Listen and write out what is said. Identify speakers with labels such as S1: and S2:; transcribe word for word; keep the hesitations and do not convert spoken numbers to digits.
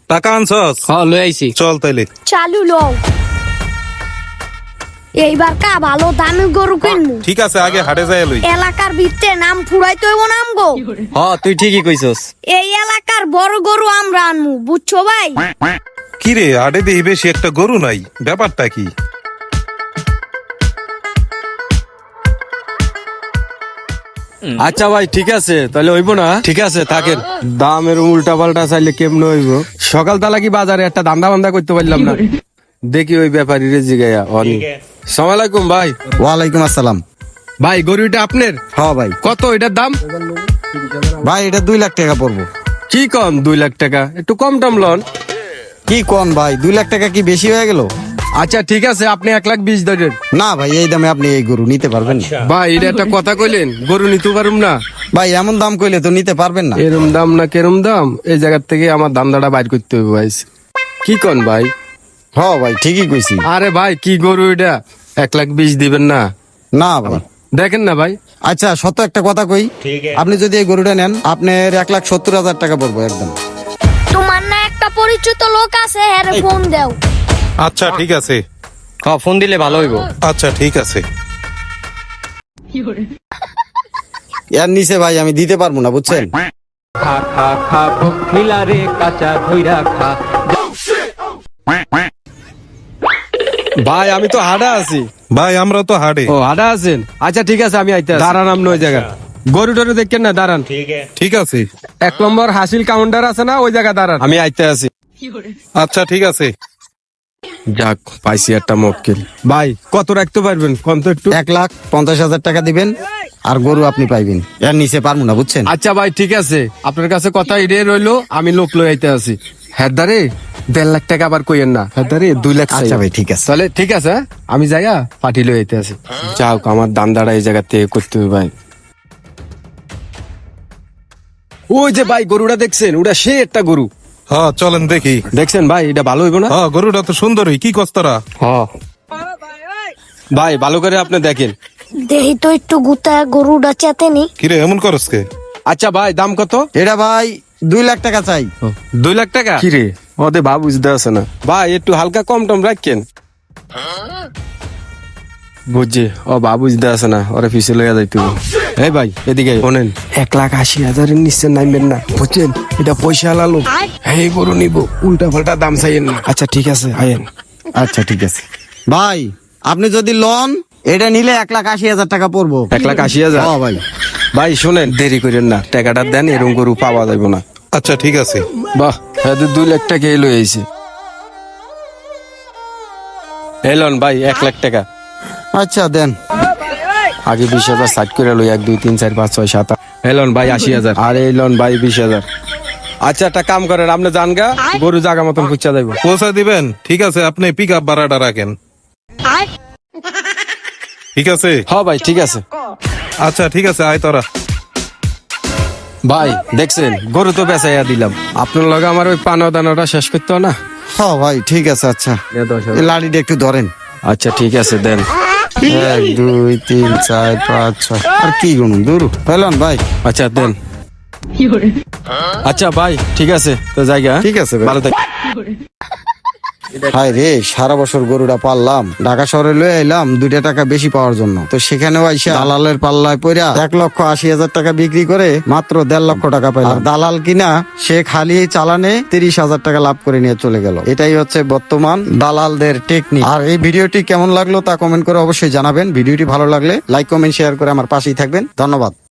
S1: টাকা আনছস?
S2: হ্যাঁ লই আইছি।
S1: চল তাইলে।
S3: চালু লও। এইবার কা ভালো দামি গরু কিনবো।
S1: ঠিক আছে, আগে হাটে যাই লই।
S3: এলাকার ভিতরে নাম ফুরাইতে হইব নাম গো।
S2: হ্যাঁ তুই ঠিকই কইছস।
S3: এই এলাকার বড় গরু আমরা আনমু, বুঝছো ভাই?
S1: কি রে, হাটে দেখি বেশি একটা গরু নাই, ব্যাপারটা কি?
S4: আচ্ছা ভাই ঠিক আছে, তাহলে হইব না? ঠিক আছে থাকেন। দামের উল্টা পাল্টা চাইলে কেমন হইব? সকাল তালা কি বাজারে একটা দান্দা বান্দা করতে পারলাম না। দেখি ওই ব্যাপারী রে জিগাইয়া অনি। সালাম আলাইকুম ভাই।
S5: ওয়ালাইকুম আসসালাম।
S4: ভাই গরুটা আপনার?
S5: হ্যাঁ ভাই।
S4: কত এটার দাম?
S5: ভাই এটা দুই লাখ টাকা পড়বো।
S4: কি কম দুই লাখ টাকা? একটু কম টম লন।
S5: কি কোন ভাই, দুই লাখ টাকা কি বেশি হয়ে গেল?
S4: আচ্ছা ঠিক আছে, আপনি এক লাখ বিশ ধরেন।
S5: না ভাই, এই দামে আপনি এই গরু নিতে পারবেন না।
S4: ভাই এটা একটা কথা কইলেন, গরু নিতে পারুম না?
S5: ভাই এমন দাম কইলে তো নিতে পারবেন না।
S4: এরম দাম না কেরম দাম, এই জায়গার থেকে আমার দান্দাটা বাইর করতে হবে ভাই। কি কন ভাই?
S5: হ্যাঁ ভাই ঠিকই কইছি।
S4: আরে ভাই কি গরু এটা, এক লাখ বিশ দিবেন না?
S5: না ভাই।
S4: দেখেন না ভাই।
S5: আচ্ছা সত্য একটা কথা কই, আপনি যদি এই গরুটা নেন আপনার এক লাখ সত্তর হাজার টাকা পড়বো একদম।
S3: তোমার না একটা পরিচিত লোক আছে, হ্যাঁ ফোন দাও।
S1: আচ্ছা ঠিক আছে।
S2: হ্যাঁ ফোন দিলে ভালো হইব।
S1: আচ্ছা ঠিক আছে।
S5: এর নিচে ভাই আমি দিতে পারবো না, বুঝছেন?
S2: খা খা খা মিলারে কাঁচা ধইরা খা।
S4: ভাই আমি তো হাডা আছি।
S1: ভাই আমরা তো হাটে।
S4: ও হাডা আছেন? আচ্ছা ঠিক আছে আমি আইতে আছি। দাঁড়ান আপনি ওই জায়গা। গরু টরু দেখেন না, দাঁড়ান।
S1: ঠিক আছে।
S4: এক নম্বর হাসিল কাউন্টার আছে না, ওই জায়গা দাঁড়ান, আমি আইতে আছি।
S1: আচ্ছা ঠিক আছে।
S4: যাক পাইছি একটা মক্কেল। ভাই কত রাখতে পারবেন কোন তো একটু?
S5: এক লাখ পঞ্চাশ হাজার টাকা দিবেন আর গরু আপনি পাইবেন। এর নিচে পারবো না, বুঝছেন?
S4: আচ্ছা ভাই ঠিক আছে, আপনার কাছে কথা এড়িয়ে রইলো, আমি লোক লই আইতে আছি। হ্যাঁ দারে দেড় লাখ টাকা আবার কইেন না, হ্যাঁ দারে দুই লাখ।
S5: আচ্ছা ভাই ঠিক আছে।
S4: তাহলে ঠিক আছে, আমি যাইয়া পার্টি লই আইতে আছি। যাক আমার দান্দাটা এই জায়গা থেকে করতে হবে ভাই। ওই যে ভাই গরুটা দেখছেন, ওটা সে একটা গরু।
S1: হ্যাঁ চলেন দেখি।
S4: দেখছেন ভাই এটা ভালো হইব না?
S1: হ্যাঁ গরুটা তো সুন্দরই, কি কস্তরা?
S4: হ্যাঁ ভাই ভালো করে আপনি দেখেন।
S3: দেহি তো একটু গুতা গরুটা চেতেনি।
S1: কিরে এমন করস কে?
S4: আচ্ছা ভাই দাম কত?
S5: এটা ভাই দুই লাখ টাকা চাই।
S4: দুই লাখ টাকা? কিরে ওদের ভাব বুঝতে আছে না ভাই, একটু হালকা কম টম রাখেন। বুঝছি ও বাবু বুঝতে আছে না, ওরা পিছিয়ে লেগে যাইতে। এই ভাই এদিকে শোনেন, এক লাখ আশি হাজারের নিচে নামবেন না, বুঝছেন? এটা পয়সা লালো, এই গরু নিব, উল্টা পাল্টা দাম চাইয়েন না। আচ্ছা ঠিক আছে আয়েন।
S5: আচ্ছা ঠিক আছে ভাই, আপনি যদি লোন এটা নিলে এক লাখ আশি হাজার টাকা পড়বো।
S4: এক লাখ আশি হাজার?
S5: হ্যাঁ ভাই।
S4: ভাই শোনেন, দেরি করেন না, টাকাটা দেন, এরকম গরু পাওয়া যাবে না।
S1: আচ্ছা ঠিক আছে।
S4: বাহ এদের দুই লাখ টাকা এলো এইছে। এলন ভাই এক লাখ টাকা।
S5: আচ্ছা দেন।
S4: আগে বিশ হাজার সাইড করে লই, এক দুই তিন চার পাঁচ ছয় সাত আট। এলন ভাই আশি হাজার। আর এলন ভাই বিশ হাজার। আচ্ছা একটা কাম করেন, আপনি জান গা, গরু জাগা মতন খুঁজা যাইব।
S1: পৌঁছা দিবেন? ঠিক আছে, আপনি পিক আপ ভাড়াটা রাখেন। ঠিক আছে।
S4: হ্যাঁ ভাই ঠিক আছে।
S1: আচ্ছা ঠিক আছে, আয় তোরা।
S4: ভাই দেখছেন গরু তো বেচাইয়া দিলাম, আপনার লগে আমার ওই পানা দানাটা শেষ করতে না।
S5: হ্যাঁ ভাই ঠিক আছে। আচ্ছা এই লাড়িটা একটু ধরেন।
S4: আচ্ছা ঠিক আছে দেন।
S5: এক দুই তিন চার পাঁচ ছয়। আর কি গুনুন দূর পেলাম ভাই।
S4: আচ্ছা দেন। আচ্ছা ভাই ঠিক আছে, তো জায়গা
S5: ঠিক আছে ভাই।
S4: ভালো থাক।
S5: হাই রে, সারা বছর গরুটা পাললাম, ঢাকা শহরে লয়ে এলাম দুইটা টাকা বেশি পাওয়ার জন্য, তো সেখানেও আইসা দালালের পাল্লায় পড়া এক লক্ষ আশি হাজার টাকা বিক্রি করে মাত্র দেড় লক্ষ টাকা পাইলাম। আর দালাল কিনা সে খালি চালানে তিরিশ হাজার টাকা লাভ করে নিয়ে চলে গেল। এটাই হচ্ছে বর্তমান দালালদের টেকনিক। আর এই ভিডিওটি কেমন লাগলো তা কমেন্ট করে অবশ্যই জানাবেন। ভিডিওটি ভালো লাগলে লাইক কমেন্ট শেয়ার করে আমার পাশেই থাকবেন। ধন্যবাদ।